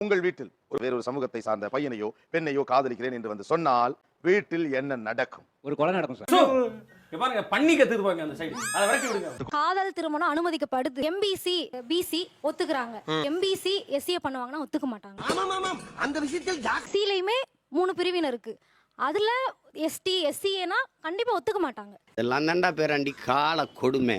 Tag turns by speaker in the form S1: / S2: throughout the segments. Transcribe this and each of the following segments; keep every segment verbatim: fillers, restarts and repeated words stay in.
S1: உங்கள் வீட்டில் ஒரு வேறொரு சமூகத்தை சார்ந்த பையனையோ பெண்ணையோ காதலிக்கிறேன் என்று வந்து சொன்னால் வீட்டில் என்ன நடக்கும்?
S2: ஒரு கொலை நடக்கும் சார். பாருங்க பண்ணி கத்துக்குவாங்க அந்த சைடு. அத வரைக்கும் விடுங்க.
S3: காதல் திருமணம் அனுமதிக்கப்படுது. எம்பிசி பிசி ஒத்துக்குறாங்க. எம்பிசி எஸ்சி பண்ணுவாங்கன்னா ஒத்துக்க மாட்டாங்க.
S4: ஆமாம் ஆமாம் அந்த விஷயத்தில்
S3: சிலையுமே மூணு பிரிவினர் இருக்கு. அதுல எஸ்டி எஸ்சிஏனா கண்டிப்பா ஒத்துக்க மாட்டாங்க.
S5: இதெல்லாம் தாண்டா பேராண்டி கால கொடுமை.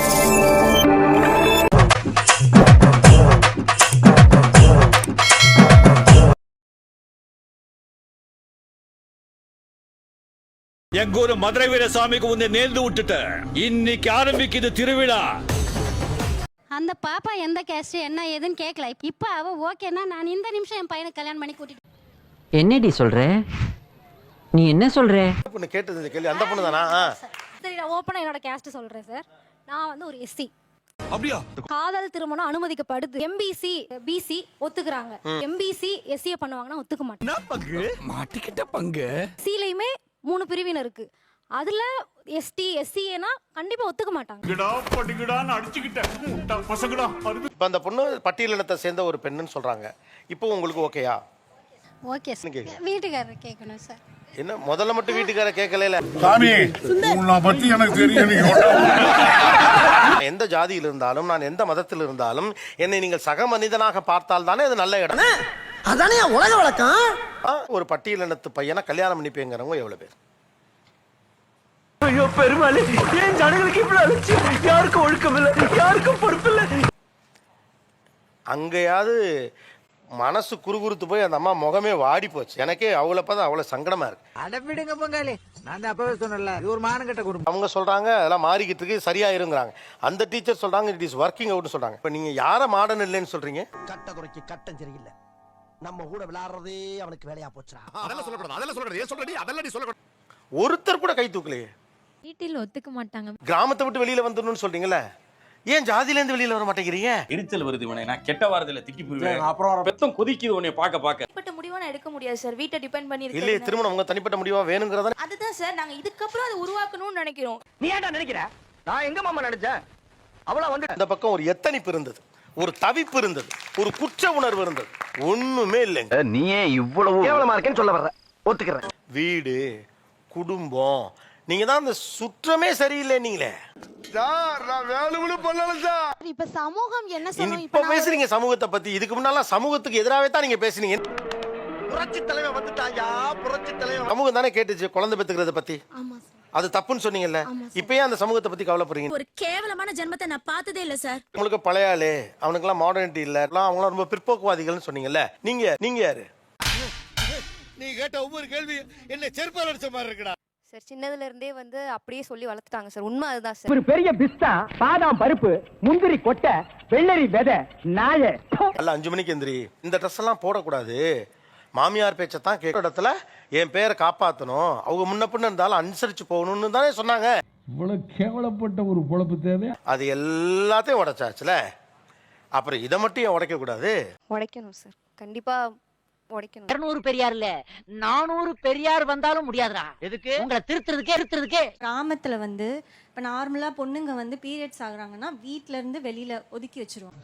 S6: எங்க ஊரு மதுரை வீரசாமிக்கு உன்னை நேர்ந்து விட்டுட்ட. இன்னைக்கு ஆரம்பிக்குது திருவிழா.
S7: அந்த பாப்பா எந்த கேஸ்ட் என்ன ஏதுன்னு கேட்கல. இப்ப அவ ஓகேனா நான் இந்த நிமிஷம் என் பையனை கல்யாணம் பண்ணி கூட்டிட்டு.
S8: என்னடி சொல்ற? நீ என்ன சொல்ற?
S4: பொண்ணு கேட்டது இந்த கேள்வி அந்த பொண்ணு தானா?
S3: சரி, நான் ஓப்பனா என்னோட கேஸ்ட் சொல்றேன் சார். நான் வந்து ஒரு எஸ்சி.
S6: அப்படியா?
S3: காதல் திருமணம் அனுமதிக்கப்படுது. எம்பிசி பிசி ஒத்துக்குறாங்க. எம்பிசி எஸ்சி பண்ணுவாங்கன்னா ஒத்துக்க மாட்டாங்க.
S6: பங்கு மாட்டிக்கிட்ட பங்கு.
S3: சிலையுமே மூணு பிரிவினர் இருக்கு. அதுல எஸ்டி எஸ்சிஏனா கண்டிப்பா ஒத்துக்க மாட்டாங்க.
S4: இப்ப அந்த பொண்ணு பட்டியலினத்தை சேர்ந்த ஒரு பெண்ணுன்னு சொல்றாங்க. இப்போ உங்களுக்கு ஓகேயா?
S7: Okay sir. வீட்டுக்காரர் கேட்கணும் சார்.
S4: என்ன முதல்ல மட்டும் வீட்டுக்கார கேட்கல.
S9: சாமி உன்னை பத்தி எனக்கு தெரியும்.
S4: எந்த ஜாதியில் இருந்தாலும் நான் எந்த மதத்தில் இருந்தாலும் என்னை நீங்கள் சக மனிதனாக பார்த்தால் தானே அது நல்ல இடம்.
S5: அதானே உலக வழக்கம்.
S4: ஒரு பட்டியலினத்து பையனை கல்யாணம் பண்ணிப்பேங்கிறவங்க எவ்வளவு பேர்?
S5: ஐயோ பெருமாளே, ஏன் ஜனங்களுக்கு இப்படி அழைச்சு? யாருக்கும் ஒழுக்கம் இல்லை, யாருக்கும் பொறுப்பு இல்லை.
S4: அங்கேயாவது மனசு குறுகுறுத்து போய் அந்த அம்மா முகமே வாடி போச்சு. எனக்கே அவளை பார்த்தா அவ்வளவு சங்கடமா இருக்கு.
S5: அடப்பிடுங்க பொங்காலி, நான் அப்பவே சொன்னல இது ஒரு மானங்கட்ட குடும்பம்.
S4: அவங்க சொல்றாங்க அதெல்லாம் மாறிக்கிட்டு இருக்கு சரியா இருங்கிறாங்க. அந்த டீச்சர் சொல்றாங்க இட் இஸ் ஒர்க்கிங் அவுட்னு சொல்றாங்க. இப்ப நீங்க யார மாடர்ன் இல்லைன்னு சொல்றீங்க?
S5: கட்ட குறைக்கு கட்டம் சரியில்லை. நம்ம கூட விளையாடுறதே அவனுக்கு வேலையா போச்சுடா.
S9: அதெல்லாம் சொல்லக்கூடாது, அதெல்லாம் சொல்லக்கூடாது. ஏன் சொல்றடி? அதெல்லாம் நீ சொல்லக்கூடாது.
S4: ஒருத்தர் கூட கை தூக்கலையே.
S3: வீட்டில் ஒத்துக்க மாட்டாங்க.
S4: கிராமத்தை விட்டு வெளியில வந்துடணும்னு சொல்றீங்கல்ல, ஏன் ஜாதியில இருந்து வெளியில வர மாட்டேங்கிறீங்க?
S2: எரிச்சல் வருது இவனை. நான் கெட்ட வாரத்துல திக்கி போயிடுவேன். அப்புறம் பெத்தம் கொதிக்குது உன்னை பாக்க பாக்க.
S3: தனிப்பட்ட முடிவா நான் எடுக்க முடியாது சார். வீட்டை டிபெண்ட் பண்ணி இருக்கு.
S4: இல்லையே, திருமணம் உங்க தனிப்பட்ட முடிவா வேணுங்கிறத.
S3: அதுதான் சார் நாங்க இதுக்கு அப்புறம் அதை உருவாக்கணும்னு நினைக்கிறோம்.
S5: நீ ஏன்டா நினைக்கிற? நான் எங்க மாமா நினைச்சேன். அவள வந்து
S4: இந்த பக்கம் ஒரு எத்தனிப்பு இருந்தது, ஒரு தவிப்பு இருந்தது, ஒரு குற்ற உணர்வு இருந்தது. ஒண்ணுமே இல்லைங்க.
S5: நீயே இவ்வளவு கேவலமா இருக்கேன்னு சொல்ல வர்ற. ஒத்துக்கிறேன்.
S4: வீடு குடும்பம் நீங்க தான் அந்த சுற்றமே சரியில்லை. நீங்களே
S3: இப்ப சமூகம் என்ன சொல்லும்?
S4: இப்ப பேசுறீங்க சமூகத்தை பத்தி. இதுக்கு முன்னால சமூகத்துக்கு எதிராகவே தான் நீங்க பேசுனீங்க.
S5: புரட்சி தலைவன் வந்துட்டாயா, புரட்சி தலைவன்.
S4: சமூகம் தானே கேட்டுச்சு குழந்தை பெத்துக்கிறத பத்தி.
S3: ஆமா சார்.
S4: அது தப்புன்னு சொன்னீங்கல்ல. இப்பயே அந்த சமூகத்தை பத்தி கவலைப்படுறீங்க.
S3: ஒரு கேவலமான ஜென்மத்தை நான் பார்த்ததே இல்ல சார்.
S4: உங்களுக்கு பழைய ஆளு, அவனுக்கு எல்லாம் மாடர்னிட்டி இல்ல, அவங்க ரொம்ப பிற்போக்குவாதிகள்னு சொன்னீங்கல்ல. நீங்க நீங்க யாரு?
S9: நீ கேட்ட ஒவ்வொரு கேள்வி என்ன செருப்பால் அடிச்ச மாதிரி இருக்குடா.
S3: சார் சின்னதுல இருந்தே வந்து அப்படியே சொல்லி வளர்த்துட்டாங்க சார். உண்மை அதுதான் சார்.
S5: ஒரு பெரிய பிஸ்தா, பாதாம் பருப்பு, முந்திரி கொட்டை, வெள்ளரி விதை, நாய.
S4: அல்ல அஞ்சு மணிக்கு எந்திரி. இந்த ட்ரெஸ் எல்லாம் போடக்கூடாது. மாமியார் பேச்சை தான் கேட்க இடத்துல என் பேரை காப்பாற்றணும், அவங்க முன்ன பின்ன இருந்தாலும் அனுசரிச்சு போகணும்னு தானே சொன்னாங்க.
S9: இவ்வளவு கேவலப்பட்ட ஒரு பொழப்பு தேவை.
S4: அது எல்லாத்தையும் உடைச்சாச்சுல, அப்புறம் இதை மட்டும் ஏன் உடைக்க கூடாது?
S3: உடைக்கணும் சார், கண்டிப்பா உடைக்கணும்.
S8: இருநூறு பெரியார் இல்ல, நானூறு பெரியார் வந்தாலும் முடியாதுடா. எதுக்கு? உங்களை திருத்துறதுக்கே திருத்துறதுக்கே.
S10: கிராமத்துல வந்து இப்ப நார்மலா பொண்ணுங்க வந்து பீரியட்ஸ் ஆகுறாங்கன்னா வீட்ல இருந்து வெளியில ஒதுக்கி வச்சிருவாங்க.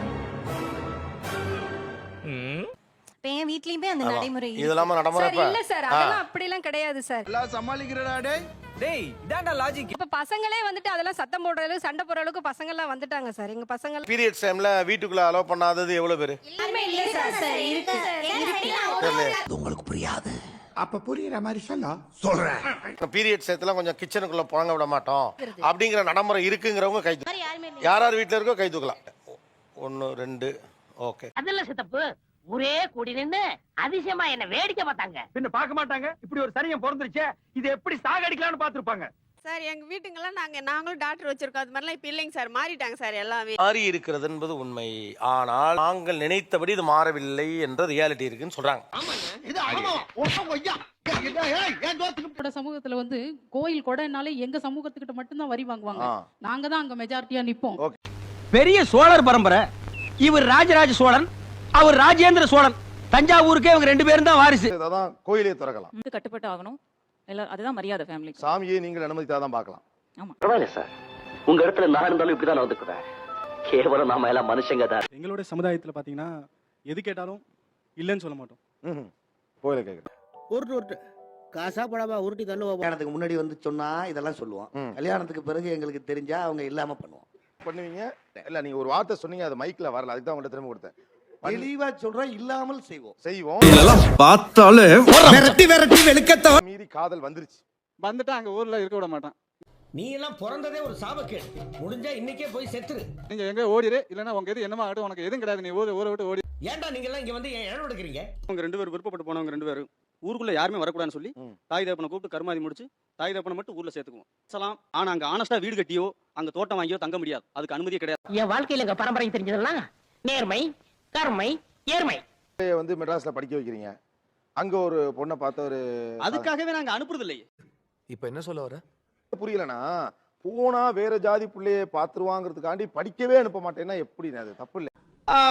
S10: இப்ப என் வீட்லயுமே அந்த நடைமுறை
S4: இதெல்லாம் நடைமுறை
S3: இல்ல சார். அதெல்லாம் அப்படி எல்லாம் கிடையாது சார்.
S9: எல்லாம் சமாளிக்கிறடா டேய்.
S2: டேய் இதான்டா லாஜிக்.
S3: இப்ப பசங்களே வந்துட்டு அதெல்லாம் சத்தம் போடுற அளவுக்கு சண்டை போடுற அளவுக்கு பசங்க எல்லாம் வந்துட்டாங்க சார். எங்க பசங்க
S4: பீரியட்ஸ் டைம்ல வீட்டுக்குள்ள அலோவ் பண்ணாதது எவ்வளவு பேரு?
S3: இல்ல சார். சார் இருக்கு சார்.
S5: உங்களுக்கு புரியாது.
S9: அப்ப புரியுற மாதிரி சொல்ல சொல்றேன்.
S4: பீரியட்ஸ் டயத்துல கொஞ்சம் கிச்சனுக்குள்ள போங்க விட மாட்டோம் அப்படிங்கிற நடைமுறை இருக்குங்கிறவங்க கை தூக்கலாம். யார் யார் வீட்டுல இருக்கோ கை தூக்கலாம். ஒன்னு ரெண்டு. ஓகே.
S8: அதெல்லாம் சித்தப்பு ஒரே கூடி நின்னு அதிசயமா என்ன வேடிக்கை பார்த்தாங்க.
S5: பின்ன பார்க்க மாட்டாங்க. இப்படி ஒரு சரியன் பிறந்துருச்சே, இது எப்படி சாகடிக்கலாம்னு பாத்துருப்பாங்க.
S10: சார் எங்க வீட்டுங்கெல்லாம் நாங்க நாங்களும் டாக்டர் வச்சிருக்கோம். அது மாதிரிலாம் இப்ப இல்லைங்க சார். மாறிட்டாங்க சார் எல்லாமே.
S4: மாறி இருக்கிறது என்பது உண்மை. ஆனால் நாங்கள் நினைத்தபடி இது மாறவில்லை என்ற ரியாலிட்டி இருக்குன்னு சொல்றாங்க.
S10: சமூகத்துல வந்து கோயில் கொடைனாலே எங்க சமூகத்துக்கிட்ட மட்டும்தான் வரி வாங்குவாங்க. நாங்க தான் அங்க மெஜாரிட்டியா நிப்போம்.
S5: பெரிய சோழர் பரம்பரை. இவர் ராஜராஜ சோழன், அவர் ராஜேந்திர சோழன். தஞ்சாவூருக்கே இவங்க ரெண்டு பேரும் தான் வாரிசு.
S1: அதான் கோயிலே திறக்கலாம்.
S10: இது கட்டுப்பட்டு ஆகணும். எல்லாம் அதுதான் மரியாதை ஃபேமிலிக்கு.
S1: சாமியை நீங்கள் அனுமதித்தாதான் பார்க்கலாம்.
S10: ஆமா.
S5: பரவாயில்ல சார், உங்க இடத்துல நான் இருந்தாலும் இப்படிதான் நடந்துக்குவேன். கேவலம் நாம எல்லாம் மனுஷங்க தான்.
S2: எங்களோட சமுதாயத்துல பாத்தீங்கன்னா எது கேட்டாலும்
S5: இல்லைன்னு சொல்ல மாட்டோம்.
S1: ம்ஹும். போயில கேக்குறேன்.
S8: உருட்டு உருட்டு காசா படமா உருட்டி தள்ளுவோம். கல்யாணத்துக்கு முன்னாடி வந்து சொன்னா இதெல்லாம் சொல்லுவோம்.
S1: ம்.
S8: கல்யாணத்துக்கு பிறகு எங்களுக்கு தெரிஞ்சா அவங்க இல்லாம பண்ணுவோம்.
S1: பண்ணுவீங்க இல்ல நீங்க ஒரு வார்த்தை சொன்னீங்க அது மைக்ல வரல அதுக்கு தான் உங்கள்ட்ட திரும்ப கொடுத்தேன்.
S8: தெளிவா சொல்றோம், இல்லாமல் செய்வோம்.
S1: செய்வோம்.
S6: பார்த்தாலே
S9: விரட்டி விரட்டி வெளுக்கத்த
S1: மீறி காதல் வந்துருச்சு.
S5: வந்துட்டு அங்க ஊர்ல இருக்க விட மாட்டான்.
S8: நீ எல்லாம் பிறந்ததே ஒரு சாபக்கேடு. முடிஞ்சா இன்னைக்கே போய் செத்துரு.
S5: நீங்க எங்க ஓடிரு, இல்லன்னா உங்க எது என்னமா ஆகட்டும், உனக்கு எதுவும் கிடையாது, நீ ஊரை ஊரை விட்டு ஓடி.
S8: ஏன்டா நீங்க எல்லாம் இங்க வந்து ஏன் இடம் எடுக்கிறீங்க?
S5: அவங்க ரெண்டு பேரும் விருப்பப்பட்டு போனவங்க ரெண்டு பேரும் ஊருக்குள்ள யாருமே வரக்கூடாதுன்னு சொல்லி
S1: ம்.
S5: தாய் தகப்பனை கூப்பிட்டு கருமாதி முடிச்சு தாய் தகப்பனை மட்டும் ஊர்ல சேர்த்துக்குவோம். சலாம். ஆனா அங்க ஆனஸ்டா வீடு கட்டியோ அங்க தோட்டம் வாங்கியோ தங்க முடியாது. அதுக்கு அனுமதியே கிடையாது.
S8: என் வாழ்க்கையில எங்க பரம்பரை தெரிஞ்சதெல்லாம் நேர்மை, கருமை, ஏர்மை.
S1: வந்து மெட்ராஸ்ல படிக்க வைக்கிறீங்க. அங்க ஒரு பொண்ணை பார்த்த ஒரு
S5: அதுக்காகவே நாங்க அனுப்புறது இல்லையே.
S9: இப்ப என்ன சொல்ல வர?
S1: புரியலனா போனா வேற ஜாதி புள்ளைய பாத்துருவாங்கிறதுக்காண்டி படிக்கவே அனுப்ப மாட்டேன்னா எப்படி? அது தப்பு இல்ல.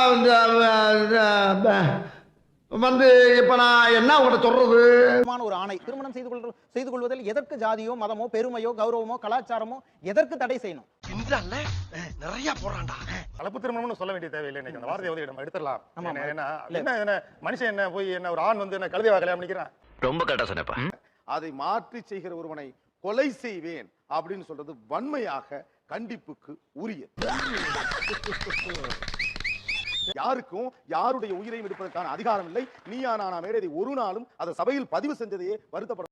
S8: வந்து இப்ப நான் என்ன உங்கள்ட்ட சொல்றது?
S5: ஒரு ஆணை திருமணம் செய்து கொள் செய்து கொள்வதில் எதற்கு ஜாதியோ மதமோ பெருமையோ கௌரவமோ கலாச்சாரமோ எதற்கு தடை செய்யணும்?
S4: நிறைய போறான்டா.
S1: கலப்பு திருமணம்னு சொல்ல வேண்டிய தேவையில்லை. இன்னைக்கு அந்த வார்த்தையை வந்து நம்ம எடுத்துடலாம்.
S5: ஆமா,
S1: என்ன
S5: ஆமா.
S1: என்ன என்ன என்ன மனுஷன் என்ன போய் என்ன ஒரு ஆண் வந்து என்ன கழுதையா கல்யாணம் பண்ணிக்கிறான்?
S6: ரொம்ப கரெக்டா சொன்னப்பா.
S1: அதை மாற்றி செய்கிற ஒருவனை கொலை செய்வேன் அப்படின்னு சொல்றது வன்மையாக கண்டிப்புக்கு உரியது. யாருக்கும் யாருடைய உயிரையும் எடுப்பதற்கான அதிகாரம் இல்லை. நீயா நானா மேடை ஒரு நாளும் அதை சபையில் பதிவு செஞ்சதையே வருத்தப்பட